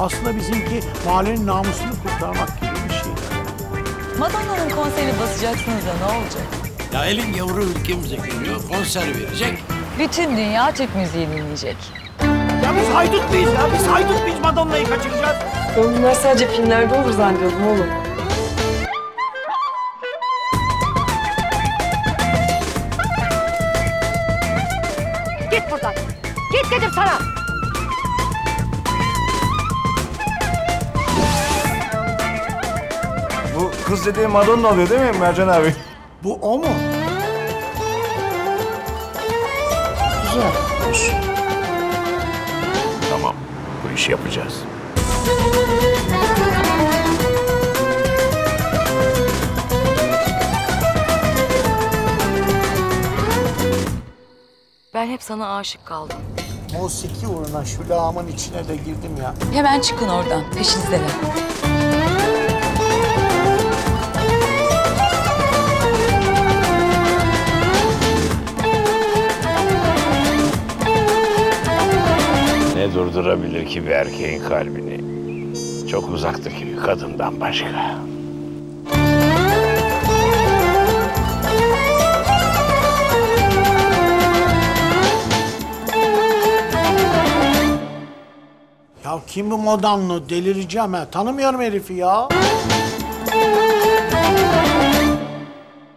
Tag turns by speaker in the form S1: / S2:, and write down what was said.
S1: Aslında bizimki mahallenin namusunu kurtarmak gibi bir şey.
S2: Madonna'nın konserini basacaksınız da ne olacak?
S3: Ya elin yavru ülkemize geliyor, konser verecek.
S2: Bütün dünya Türk müziği dinleyecek.
S1: Ya biz haydut muyuz ya? Biz haydut muyuz Madonna'yı kaçıracağız?
S4: Ben bunlar sadece filmlerde olur zannediyordum oğlum.
S5: Git buradan. Git dedim sana.
S6: Bu kız dediğin Madonna oluyor değil mi Mercan abi?
S1: Bu o mu? Güzel. Olsun.
S3: Tamam, bu işi yapacağız.
S2: Ben hep sana aşık kaldım.
S1: Musiki uğruna şu lağımın içine de girdim ya.
S2: Hemen çıkın oradan, peşinizdeler.
S3: Ne durdurabilir ki bir erkeğin kalbini? Çok uzaktaki bir kadından başka.
S1: Ya kim bu Madonna? Delireceğim ha. Tanımıyorum herifi ya.